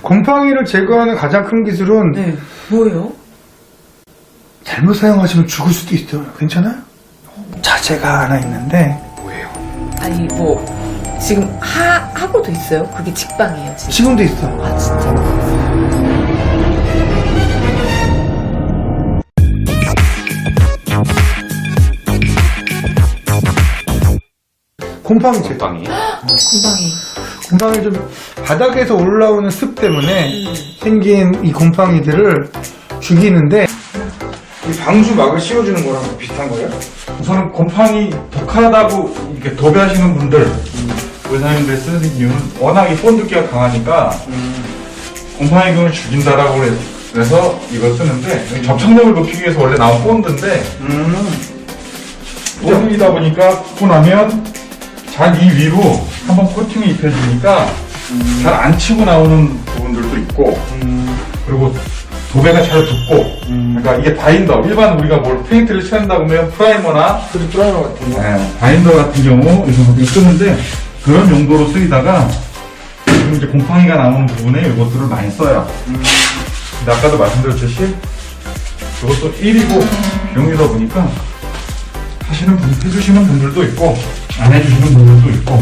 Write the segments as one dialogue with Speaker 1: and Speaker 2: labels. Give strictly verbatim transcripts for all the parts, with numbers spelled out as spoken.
Speaker 1: 곰팡이를 제거하는 가장 큰 기술은
Speaker 2: 네. 뭐예요?
Speaker 1: 잘못 사용하시면 죽을 수도 있어요. 괜찮아요? 자재가 하나 있는데
Speaker 3: 뭐예요?
Speaker 2: 아니 뭐 지금 하 하고도 있어요? 그게 직방이에요 지금?
Speaker 1: 지금도 있어.
Speaker 2: 아 진짜?
Speaker 1: 곰팡이 제거.
Speaker 3: 곰팡이.
Speaker 2: 곰팡이.
Speaker 1: 곰팡이 좀 바닥에서 올라오는 습 때문에
Speaker 2: 음.
Speaker 1: 생긴 이 곰팡이들을 죽이는데 이 방수막을 씌워주는 거랑 비슷한 거예요?
Speaker 4: 우선은 곰팡이 독하다고 이렇게 도배하시는 분들, 의사님들 쓰는 이유는 워낙 이 본드기가 강하니까 곰팡이균을 죽인다라고 그래서 이걸 쓰는데, 접착력을 높이기 위해서 원래 나온 본드인데
Speaker 1: 음.
Speaker 4: 본드이다 보니까 굽고 나면 잘 이 위로 한번 코팅을 입혀주니까 잘 안 치고 나오는 부분들도 있고,
Speaker 1: 음.
Speaker 4: 그리고 도배가 잘 붙고, 그러니까 이게 바인더, 일반 우리가 뭘 페인트를 칠한다고 하면 프라이머나
Speaker 1: 그리고 프라이머 같은 거.
Speaker 4: 네, 바인더 같은 경우 이렇게 쓰는데, 그런 용도로 쓰이다가 지금 이제 곰팡이가 나오는 부분에 이것들을 많이 써요. 근데 아까도 말씀드렸듯이 이것도 일이고 비용이다 보니까 하시는 분, 해주시는 분들도 있고 안 해주시는 분들도 있고.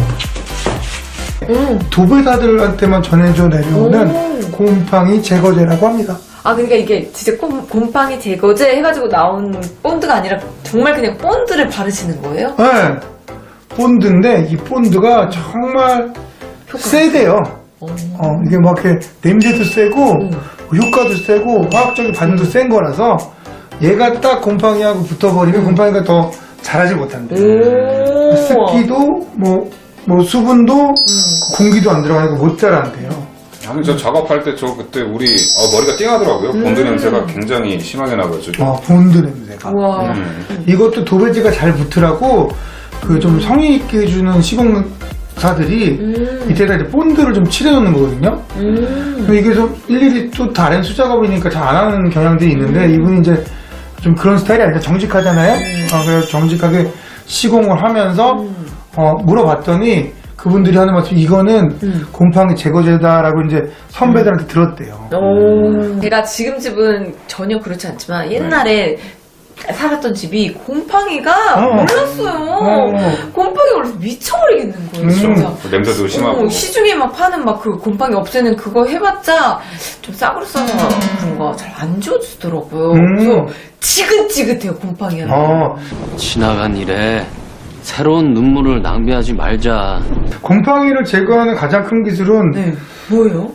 Speaker 2: 음.
Speaker 1: 도배사들한테만 전해져 내려오는
Speaker 2: 오.
Speaker 1: 곰팡이 제거제라고 합니다.
Speaker 2: 아 그러니까 이게 진짜 곰, 곰팡이 제거제 해가지고 나온 본드가 아니라 정말 그냥 본드를 바르시는 거예요?
Speaker 1: 네. 본드인데 이 본드가 정말 세대요.
Speaker 2: 어.
Speaker 1: 어, 이게 막 이렇게 냄새도 세고
Speaker 2: 음.
Speaker 1: 효과도 세고 화학적인 반응도 센 거라서 얘가 딱 곰팡이하고 붙어버리면 곰팡이가 더 자라지 못한대.
Speaker 2: 오.
Speaker 1: 습기도 뭐, 뭐 수분도 공기도 안 들어가니까 못 자란대요.
Speaker 3: 아니 저 작업할 때 저 그때 우리 어, 머리가 띵하더라고요. 본드 냄새가 굉장히 심하게 나가지고.
Speaker 1: 어, 본드 냄새가.
Speaker 2: 우와.
Speaker 3: 음.
Speaker 1: 이것도 도배지가 잘 붙으라고 그 좀 성의 있게 해주는 시공사들이
Speaker 2: 음.
Speaker 1: 밑에다 이제 본드를 좀 칠해놓는 거거든요.
Speaker 2: 음.
Speaker 1: 근데 이게 좀 일일이 또 다른 수작업이니까 잘 안 하는 경향들이 있는데 이분이 이제 좀 그런 스타일이 아니라 정직하잖아요. 어, 그래서 정직하게 시공을 하면서 어, 물어봤더니 그분들이 하는 말씀 이거는
Speaker 2: 음.
Speaker 1: 곰팡이 제거제다라고 이제 선배들한테 들었대요.
Speaker 2: 오. 제가 지금 집은 전혀 그렇지 않지만 옛날에 살았던 집이 곰팡이가
Speaker 1: 어.
Speaker 2: 몰랐어요.
Speaker 1: 어.
Speaker 2: 곰팡이 올라서 미쳐버리겠는 거예요,
Speaker 1: 음.
Speaker 2: 진짜.
Speaker 3: 냄새도 심하고.
Speaker 2: 어, 시중에 막 파는 막 그 곰팡이 없애는 그거 해봤자 좀 싸구려 써서 그런가 잘 안 지워지더라고요.
Speaker 1: 음.
Speaker 2: 그래서 지긋지긋해요, 곰팡이가.
Speaker 1: 어,
Speaker 5: 지나간 일에 새로운 눈물을 낭비하지 말자.
Speaker 1: 곰팡이를 제거하는 가장 큰 기술은
Speaker 2: 네. 뭐예요?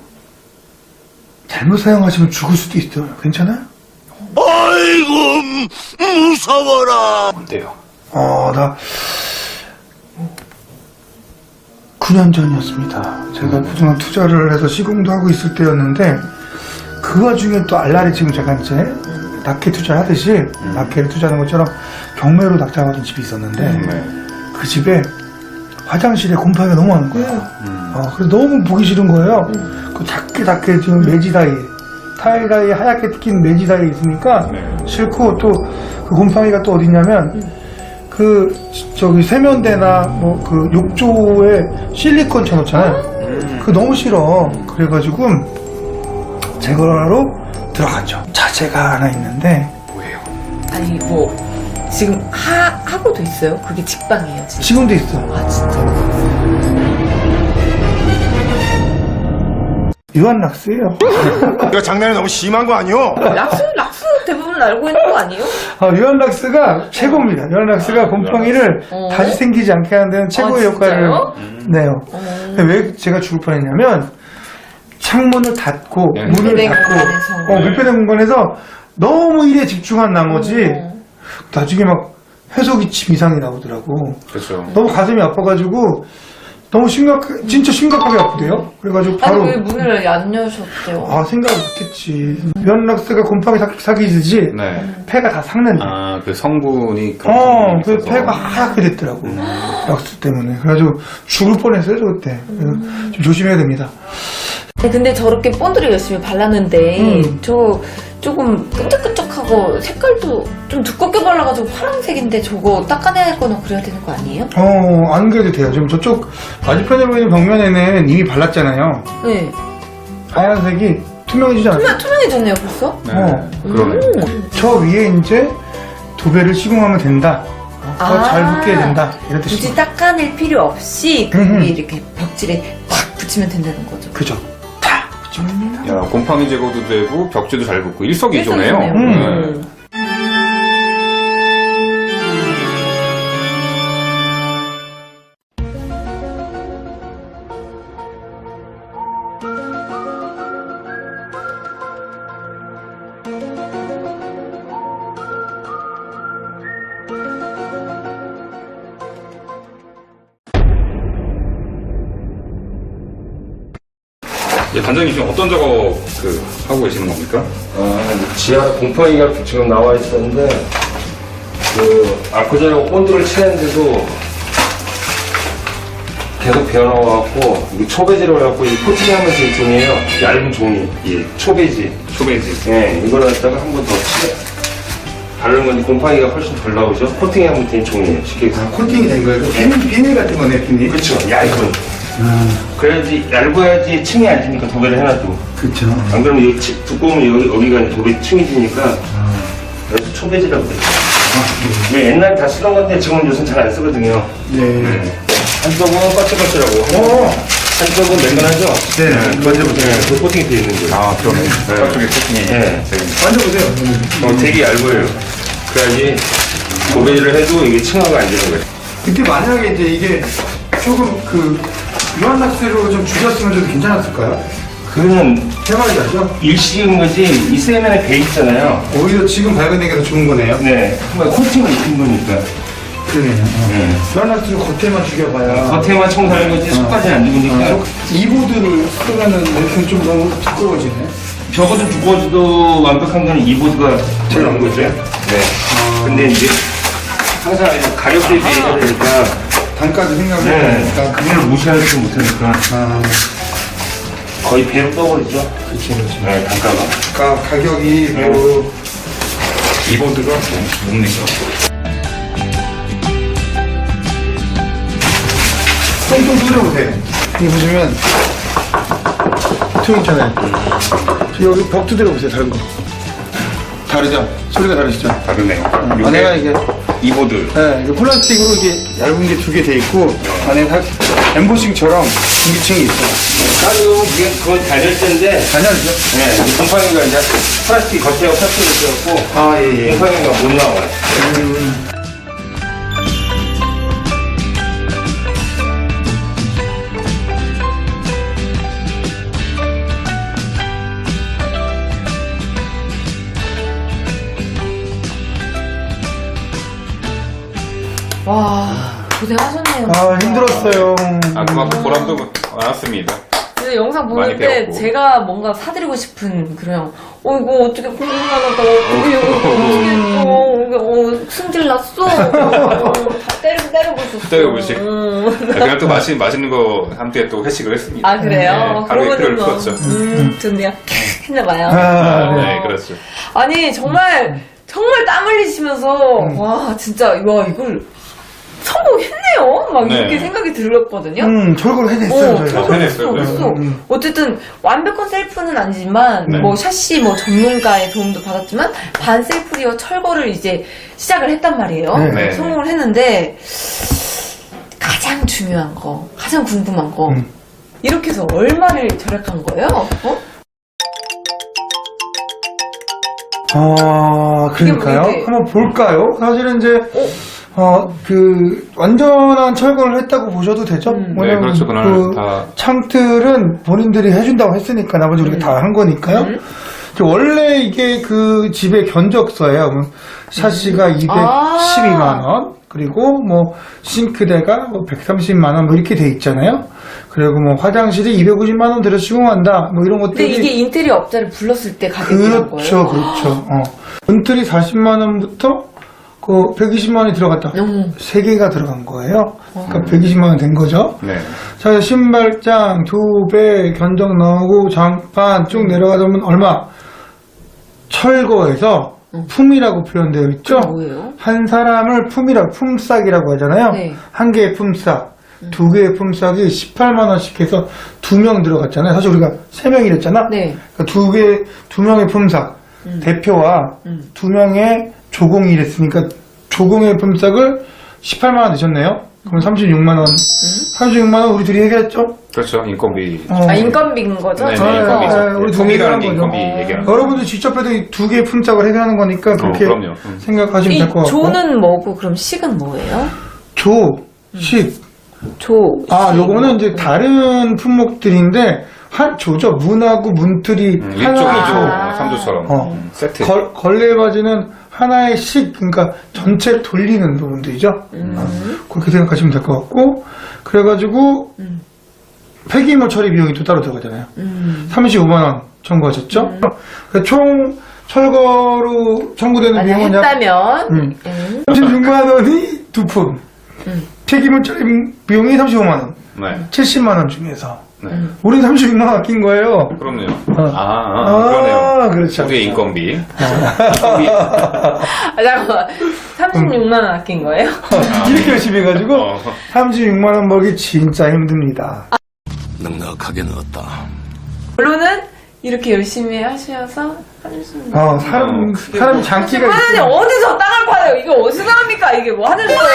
Speaker 1: 잘못 사용하시면 죽을 수도 있어요. 괜찮아요?
Speaker 6: 아이고 무서워라.
Speaker 3: 뭔데요?
Speaker 1: 어, 나 구 년 전이었습니다. 제가 그동안 투자를 해서 시공도 하고 있을 때였는데 그 와중에 또 알라리 지금 제가 이제 낙해 투자를 하듯이 낙해를 투자하는 것처럼 경매로 낙찰받은 집이 있었는데
Speaker 3: 네.
Speaker 1: 그 집에 화장실에 곰팡이가 너무 많은 거예요. 어, 그래서 너무 보기 싫은 거예요. 그 작게 작게 지금 매지 사이에 타일 사이에 하얗게 낀 매지 사이에 있으니까
Speaker 3: 네.
Speaker 1: 싫고 또 그 곰팡이가 또 어디냐면 그 저기 세면대나 뭐 그 욕조에 실리콘 쳐놓잖아요. 그거 너무 싫어. 그래가지고 제거하러 들어갔죠. 자재가 하나 있는데
Speaker 3: 뭐예요?
Speaker 2: 아니 뭐 지금 하 하고도 있어요? 그게 직방이에요, 지금?
Speaker 1: 지금도 있어.
Speaker 2: 아 진짜?
Speaker 1: 유한락스예요.
Speaker 6: 이거 장난이 너무 심한 거 아니오?
Speaker 2: 락스 락스 대부분 알고 있는 거 아니에요?
Speaker 1: 아, 유한락스가 최고입니다. 유한락스가 곰팡이를
Speaker 2: 어.
Speaker 1: 다시 생기지 않게 하는 데는 최고의
Speaker 2: 아,
Speaker 1: 역할을
Speaker 2: 진짜요?
Speaker 1: 내요.
Speaker 2: 어.
Speaker 1: 근데 왜 제가 죽을 뻔했냐면 창문을 닫고
Speaker 3: 네.
Speaker 1: 문을
Speaker 2: 밀폐된
Speaker 1: 닫고
Speaker 2: 공간에서.
Speaker 1: 어, 밀폐된 공간에서 너무 일에 집중한 나머지
Speaker 2: 어.
Speaker 1: 나중에 막 해소기침 이상이 나오더라고.
Speaker 3: 그렇죠.
Speaker 1: 너무 가슴이 아파가지고 너무 심각, 진짜 심각하게 아프대요. 그래가지고 바로
Speaker 2: 아니 왜 문을 안 여셨대요?
Speaker 1: 아 생각을 못했지. 유한락스가 곰팡이 사- 사귀듯이
Speaker 3: 네.
Speaker 1: 폐가 다 삭는데.
Speaker 3: 아 그 성분이 그런
Speaker 1: 어,
Speaker 3: 성분이
Speaker 1: 그
Speaker 3: 있어서.
Speaker 1: 폐가 하얗게 됐더라고. 락스 때문에. 그래가지고 죽을 뻔했어요, 저 그때. 그래서 좀 조심해야 됩니다.
Speaker 2: 네, 근데 저렇게 본드를 열심히 발랐는데
Speaker 1: 음.
Speaker 2: 저 조금 끈적끈적하고 색깔도 좀 두껍게 발라가지고 파란색인데 저거 닦아내야 거나 그래야 되는 거 아니에요?
Speaker 1: 어, 안 그래도 돼요. 지금 저쪽 맞은편에 보이는 벽면에는 이미 발랐잖아요.
Speaker 2: 네.
Speaker 1: 하얀색이 투명해지지 않아요?
Speaker 2: 투명, 투명해졌네요, 벌써?
Speaker 3: 네.
Speaker 1: 어.
Speaker 3: 그러네.
Speaker 1: 저 위에 이제 도배를 시공하면 된다. 더 잘 붙게 된다. 이런 뜻이죠.
Speaker 2: 굳이 닦아낼 필요 없이 그
Speaker 1: 음.
Speaker 2: 위에 이렇게 벽지를 팍 붙이면 된다는 거죠.
Speaker 1: 그죠. 다 붙이면.
Speaker 3: 야, 곰팡이 제거도 되고 벽지도 잘 붙고 일석이조네요.
Speaker 2: 일석이조네요.
Speaker 1: 음.
Speaker 3: 네. 예, 단장님 지금 어떤 작업 그 하고 계시는 겁니까?
Speaker 7: 아, 지하 곰팡이가 지금 나와 있었는데, 그, 아쿠자하고 본드를 칠했는데도 계속 배어나와갖고, 이게 초배지로 해갖고, 이 코팅하면서 이 종이에요. 얇은 종이. 이 초배지.
Speaker 3: 초베이지.
Speaker 7: 예, 이걸 갖다가 한 번 더 칠해. 바르는 건데 곰팡이가 훨씬 덜 나오죠? 코팅하면 된 종이에요. 쉽게 얘기해서.
Speaker 1: 코팅이 된 거예요. 비닐, 비닐 같은 거네, 비닐.
Speaker 7: 그쵸, 얇은. 그래야지, 얇아야지 층이 안 지니까 도배를 해놔도.
Speaker 1: 그쵸.
Speaker 7: 안 그러면 여기 치- 두꺼우면 여기, 여기가 이제 도배 층이 지니까. 그래서 초배지라고 그래요. 네, 옛날에 다 쓰던 건데 지금은 요즘 잘 안 쓰거든요.
Speaker 1: 네.
Speaker 7: 한쪽은 까치까치라고.
Speaker 1: 어.
Speaker 7: 한쪽은 맨건하죠?
Speaker 1: 네.
Speaker 7: 먼저부터. 네, 그 코팅이 되어 있는 거예요.
Speaker 3: 아, 그러네. 저쪽에 코팅이.
Speaker 7: 네.
Speaker 1: 만져보세요.
Speaker 7: 어, 되게 얇아요. 그래야지 도배를 해도 이게 층화가 안 되는 거예요.
Speaker 1: 근데 만약에 이제 이게 조금 그 유한낙스로 좀 줄였으면 좀 괜찮았을까요?
Speaker 7: 그거는
Speaker 1: 해봐야죠.
Speaker 7: 일시인 거지, 이 세면에 배 있잖아요.
Speaker 1: 오히려 지금 발견된 게 더 좋은 거네요.
Speaker 7: 네. 한번 코팅을 입힌 거니까.
Speaker 1: 그러네요.
Speaker 7: 네.
Speaker 1: 유한낙스를 겉에만 죽여봐야.
Speaker 7: 겉에만 청소하는 거지, 속까지는 안 죽으니까.
Speaker 1: 이 보드를 쓰면은 이렇게 좀 너무 두꺼워지네.
Speaker 7: 저거 좀 두꺼워져도 완벽한 거는 이 보드가 제일 나은 거죠. 네. 근데 이제 항상 가격대 비해야 되니까
Speaker 1: 단가도 생각을
Speaker 7: 네.
Speaker 1: 해보니까.
Speaker 7: 그걸 무시하지 못하니까
Speaker 1: 아,
Speaker 7: 거의 배로 떠버리죠.
Speaker 1: 그렇죠, 그렇죠.
Speaker 7: 네, 단가가.
Speaker 1: 그러니까 가격이
Speaker 7: 네.
Speaker 1: 뭐
Speaker 3: 이보드가 뭡니까?
Speaker 1: 똥똥 뚫어보세요. 여기 보시면 퉁 있잖아요. 저 여기 벽 두드려 보세요. 다른 거. 다르죠? 소리가 다르시죠?
Speaker 3: 다르네요.
Speaker 1: 안에가 이게
Speaker 3: 이보드.
Speaker 1: 네, 이게 플라스틱으로 이게 얇은 게 두 개 돼 있고 안에 살 엠보싱처럼 중기층이 있어요.
Speaker 7: 가격은 그게 그건 단열재인데
Speaker 1: 단열이죠?
Speaker 7: 네, 이 곰팡이가 이제 플라스틱 겉에하고 플라스틱을 씌웠고
Speaker 1: 아, 예, 예.
Speaker 7: 곰팡이가 못 나와요.
Speaker 2: 와, 고생하셨네요.
Speaker 1: 아, 힘들었어요.
Speaker 3: 아, 그만큼 보람도 많았습니다.
Speaker 2: 근데 영상
Speaker 3: 많이
Speaker 2: 보는데
Speaker 3: 배웠고.
Speaker 2: 제가 뭔가 사드리고 싶은 그런 어 이거 어떻게 궁금하다 어떻게 이거 어떻게 어 이거 어 승질 났어 어, 다 때리고 때리고 있었어
Speaker 3: 때려보시.
Speaker 2: 음.
Speaker 3: 그냥 또 맛있, 맛있는 거 함께 또 회식을 했습니다.
Speaker 2: 아 그래요?
Speaker 3: 네, 하루의 피로를
Speaker 2: 뭐,
Speaker 3: 풀었죠.
Speaker 2: 음 좋네요 했나봐요
Speaker 1: 아, 네.
Speaker 3: 네, 그렇죠.
Speaker 2: 아니 정말 정말 땀 흘리시면서 와 진짜 와 이걸 성공했네요 막
Speaker 3: 네.
Speaker 2: 이렇게 생각이 들었거든요
Speaker 1: 음, 철거를 해냈어요,
Speaker 2: 어,
Speaker 1: 저희가.
Speaker 3: 어, 해냈어요,
Speaker 2: 했어,
Speaker 3: 그래서.
Speaker 2: 했어. 어쨌든 완벽한 셀프는 아니지만
Speaker 3: 네.
Speaker 2: 뭐 샤시 뭐 전문가의 도움도 받았지만 반 셀프리어 철거를 이제 시작을 했단 말이에요.
Speaker 3: 네.
Speaker 2: 성공을 했는데 가장 중요한 거, 가장 궁금한 거
Speaker 1: 음.
Speaker 2: 이렇게 해서 얼마를 절약한 거예요? 어?
Speaker 1: 아, 그러니까요.
Speaker 2: 이게 뭐 이게-
Speaker 1: 한번 볼까요? 사실은 이제, 어, 그, 완전한 철거를 했다고 보셔도 되죠?
Speaker 2: 음.
Speaker 3: 네, 그렇죠. 그날
Speaker 1: 그
Speaker 3: 다.
Speaker 1: 창틀은 본인들이 해준다고 했으니까 나머지 우리가 다 한 거니까요.
Speaker 2: 음.
Speaker 1: 이제 원래 이게 그 집의 견적서예요. 뭐 샤시가
Speaker 2: 아.
Speaker 1: 이백십이만 원, 그리고 뭐 싱크대가 뭐 백삼십만 원, 뭐 이렇게 돼 있잖아요. 그리고 뭐 화장실이 이백오십만 원 들여 시공한다, 뭐 이런
Speaker 2: 근데
Speaker 1: 것들이.
Speaker 2: 이게 인테리어 업자를 불렀을 때 가격이란
Speaker 1: 그렇죠,
Speaker 2: 거예요.
Speaker 1: 그렇죠. 어. 은틀이 사십만 원부터 그 백이십만 원이 들어갔다.
Speaker 2: 음.
Speaker 1: 세 개가 들어간 거예요. 그러니까 백이십만 원 된 거죠.
Speaker 3: 네.
Speaker 1: 자, 신발장, 도배, 견적 나오고 장판 쭉 내려가자면 얼마? 철거해서 품이라고 표현되어 있죠.
Speaker 2: 그게 뭐예요?
Speaker 1: 한 사람을 품이라고, 품삯이라고 하잖아요.
Speaker 2: 네.
Speaker 1: 한 개의 품삯. 두 개의 품삯이 십팔만 원씩 해서 두 명 들어갔잖아요. 사실 우리가 세 명이랬잖아.
Speaker 2: 네.
Speaker 1: 그러니까 두 개, 두 명의 품삯, 대표와 두 명의 조공이 이랬으니까 조공의 품삯을 십팔만 원 내셨네요. 그럼 삼십육만 원. 삼십육만 원 우리 둘이 얘기했죠?
Speaker 3: 그렇죠. 인건비.
Speaker 1: 어.
Speaker 2: 아, 인건비인 거죠?
Speaker 3: 네,
Speaker 1: 네,
Speaker 3: 네,
Speaker 1: 네,
Speaker 3: 인건비죠.
Speaker 1: 우리
Speaker 3: 품이라는 게
Speaker 1: 얘기하는
Speaker 3: 인건비
Speaker 1: 거죠.
Speaker 3: 얘기하는 거.
Speaker 1: 여러분들 직접 해도 이 두 개의 품삯을 해결하는 거니까 그렇게
Speaker 3: 그럼요. 음.
Speaker 1: 생각하시면
Speaker 2: 이
Speaker 1: 될 것 같고.
Speaker 2: 조는 뭐고 그럼 식은 뭐예요?
Speaker 1: 조, 식.
Speaker 2: 조.
Speaker 1: 아,
Speaker 2: 식.
Speaker 1: 요거는 이제 다른 품목들인데 한 조죠. 문하고 문틀이
Speaker 3: 음, 일 조,
Speaker 1: 하나의
Speaker 3: 이 조,
Speaker 1: 조.
Speaker 3: 어, 삼 조처럼
Speaker 1: 어.
Speaker 3: 음, 세트.
Speaker 1: 걸, 걸레바지는 하나의 식, 그러니까 전체를 돌리는 부분들이죠. 어, 그렇게 생각하시면 될 것 같고, 그래가지고 폐기물 처리 비용이 또 따로 들어가잖아요. 삼십오만 원 청구하셨죠? 그러니까 총 철거로 청구되는
Speaker 2: 만약
Speaker 1: 비용은 약
Speaker 2: 했다면
Speaker 1: 음.
Speaker 2: 음.
Speaker 1: 삼십육만 원이 두 푼, 폐기물 처리 비용이 삼십오만 원,
Speaker 3: 네.
Speaker 1: 칠십만 원 중에서
Speaker 3: 네.
Speaker 1: 우린 삼십육만 원 아낀 거예요.
Speaker 3: 그럼요.
Speaker 1: 어.
Speaker 3: 아, 아,
Speaker 1: 아,
Speaker 3: 그러네요.
Speaker 1: 그렇죠.
Speaker 3: 우리의 인건비.
Speaker 2: 아, 잠깐만. 삼십육만 원 아낀 거예요?
Speaker 1: 이렇게 열심히 해가지고
Speaker 3: 어.
Speaker 1: 삼십육만 원 벌기 진짜 힘듭니다.
Speaker 6: 넉넉하게 넣었다.
Speaker 2: 결론은 이렇게 열심히 하셔서 삼십육만 원.
Speaker 1: 어, 사람,
Speaker 3: 어, 크게
Speaker 1: 사람
Speaker 3: 뭐.
Speaker 1: 장기가
Speaker 2: 하나님
Speaker 1: 있어.
Speaker 2: 어디서 땅을 파요? 이게 어디서 합니까? 이게 뭐 하늘 거예요?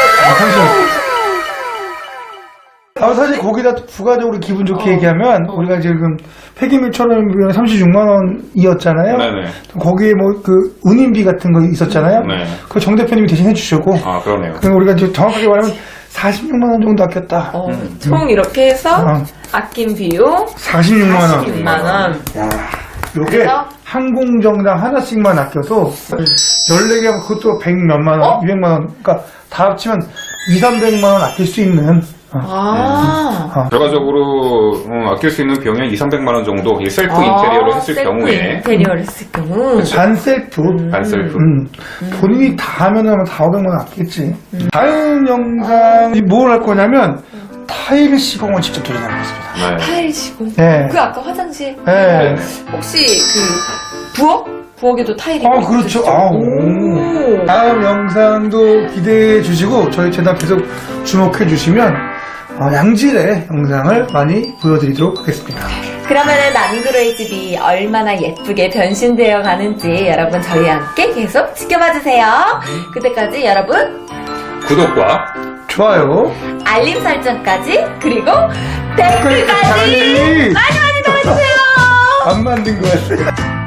Speaker 1: 아, 사실 거기다 또 부가적으로 기분 좋게
Speaker 2: 어.
Speaker 1: 얘기하면
Speaker 2: 어.
Speaker 1: 우리가 지금 폐기물 처리 비용이 삼십육만 원이었잖아요.
Speaker 3: 네네.
Speaker 1: 거기에 뭐 그 운임비 같은 거 있었잖아요.
Speaker 3: 네.
Speaker 1: 그거 정 대표님이 대신 해주시고.
Speaker 3: 아, 그러네요.
Speaker 1: 그럼 우리가 이제 정확하게 말하면 사십육만 원 정도 아꼈다.
Speaker 2: 어, 총 이렇게 해서
Speaker 1: 어.
Speaker 2: 아낀 비용
Speaker 1: 사십육만 원.
Speaker 2: 사십육만 원.
Speaker 1: 야, 요게
Speaker 2: 그래서?
Speaker 1: 항공정당 하나씩만 아껴도 열네 개면 그것도 백 몇만 원,
Speaker 2: 어?
Speaker 1: 이백만 원. 그러니까 다 합치면 이삼백만 원 아낄 수 있는. 어.
Speaker 2: 아.
Speaker 1: 어.
Speaker 3: 결과적으로 어, 아낄 수 있는 비용이 이삼백만 원 정도 이 셀프 인테리어로 했을
Speaker 2: 아, 셀프
Speaker 3: 경우에
Speaker 2: 인테리어를 했을 경우.
Speaker 1: 반 셀프.
Speaker 3: 반셀프.
Speaker 1: 음, 본인이 다 하면 아마 사오백만 원 아끼겠지. 다음 영상이 뭘 할 거냐면 타일 시공을 직접 도전하겠습니다.
Speaker 3: 네.
Speaker 2: 타일 시공.
Speaker 1: 네.
Speaker 2: 그 아까 화장실.
Speaker 1: 네.
Speaker 2: 혹시 그 부엌? 부엌에도 타일이
Speaker 1: 아, 그렇죠. 아, 오.
Speaker 2: 오.
Speaker 1: 다음 영상도 기대해 주시고 저희 채널 계속 주목해 주시면 어, 양질의 영상을 많이 보여드리도록 하겠습니다.
Speaker 2: 그러면은 남구로의 집이 얼마나 예쁘게 변신되어 가는지 여러분 저희와 함께 계속 지켜봐 주세요. 그때까지 여러분
Speaker 3: 구독과
Speaker 1: 좋아요.
Speaker 2: 알림 설정까지 그리고 댓글까지 많이 많이 달아주세요.
Speaker 1: 안 만든 것 같아요.